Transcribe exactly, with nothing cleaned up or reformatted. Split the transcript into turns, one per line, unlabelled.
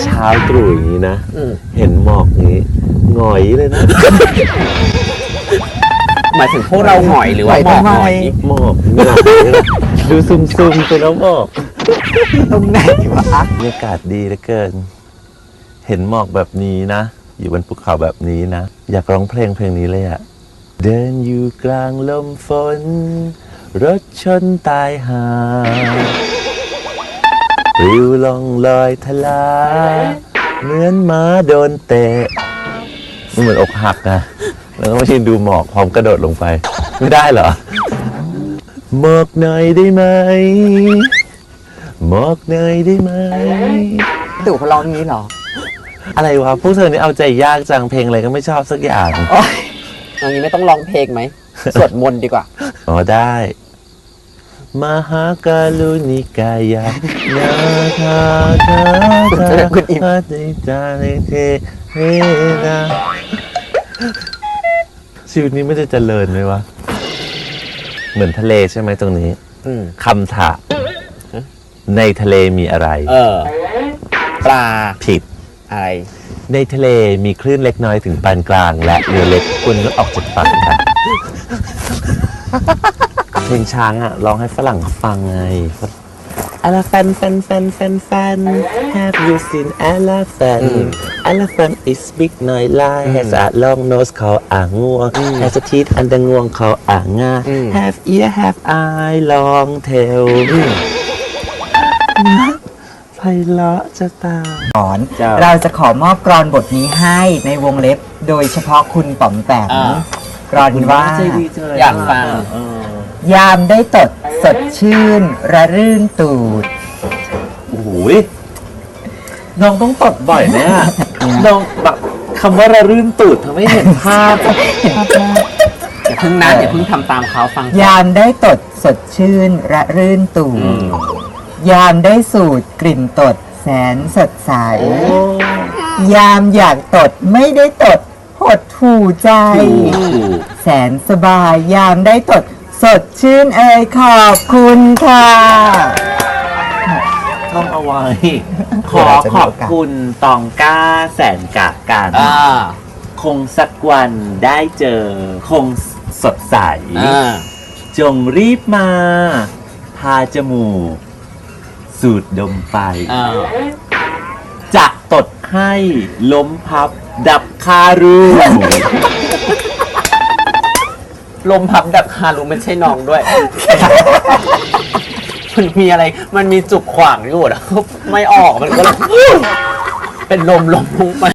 เช้าตรู่อย่างนี้นะ
อืม
เห็นหมอกนี้หงอยเลยนะ
หมายถึงพวกเราหงอยหรือว่าหมอกหงอย
หมอกหงอยเลยดูซุ่มๆไปแล้วหมอก
ตรงไหนวะ
บรรยากาศดีเหลือเกิน เห็นหมอกแบบนี้นะ อยู่บนภูเขาแบบนี้นะ อยากร้องเพลงเพลงนี้เลยอะเดินอยู่กลางลมฝน รถชนตายหาปลิวลองลอยทลา เหมือนม้าโดนเตะมันเหมือนอกหักนะ แล้วก็มาชินดูหมอกพร้อมกระโดดลงไป ไม่ได้เหรอ หมอกหน่อยได้ไหม หมอกหน่อยได้ไหม
ตู่เขาร้องนี้เหรอ
อะไรวะ พวกเธอนี่เอาใจยากจังเพลงอะไรก็ไม่ชอบสักอย่าง
โอ๊ย
ตรงนี้ไม่ต้องร้องเพลงไหม สวดมนต์ดีกว่า
อ๋อได้ มหากาลุนิกายะนาคาคาคาคาติจาริเทเฮนาชีวิตนี้ไม่ได้เจริญไหมวะ เหมือนทะเลใช่ไหมตรงนี้
อืม
คำถามในทะเลมีอะไร
เออ ปลา
ผิด
อะไร
ในทะเลมีคลื่นเล็กน้อยถึงปานกลาง และเรือเล็กควรงดออกจากฝั่งค่ะ เพลงช้างอ่ะร้องให้ฝรั่งเขาฟังไง Elephant fan fan fan fan Have you seen elephant Elephant is big หน่อยลาย Has a long nose เขาอ่างงวง Has a teeth อันดงวงเขาอ่างงา Have ear have eye long tail ไพเราะจะตาย
สอน
เจ้า
เราจะขอมอบกรอนบทนี้ให้ในวงเล็บ โดยเฉพาะคุณป๋อมแปม
อ่า
กรอนว่า
อยากฟัง
ยามได้ตดสดชื่น ระรื่นตูด
โอ้โหยน้องต้องตดบ่อยไหมอะน้องแบบคำว่าระรื่นตูดทำให้เห็นภาพ
อย่าเพิ่งนะอย่าเพิ่งทำตามเขาฟัง
ยามได้ตดสดชื่น ระรื่นตูด ยามได้สูดกลิ่นตดแสนสดใส ยามอยากตดไม่ได้ตดหดหูใจ แสนสบายยามได้ตดสดชื่นเอ่ยขอบคุณค่ะ
ท่องเอาไว้ ขอขอบคุณตองก้าแสนกะกัน
อ่า
คงสักวันได้เจอ คงสดใส
อ่า
จงรีบมา พาจมูก สูดดมไป
อ่า
จะตดให้ล้มพับ ดับคารู
ลมพับดับคารุไม่ใช่น้องด้วย มันมีอะไร มันมีจุกขวางอยู่แล้วไม่ออก มันก็เลย เป็นลมลมลงไป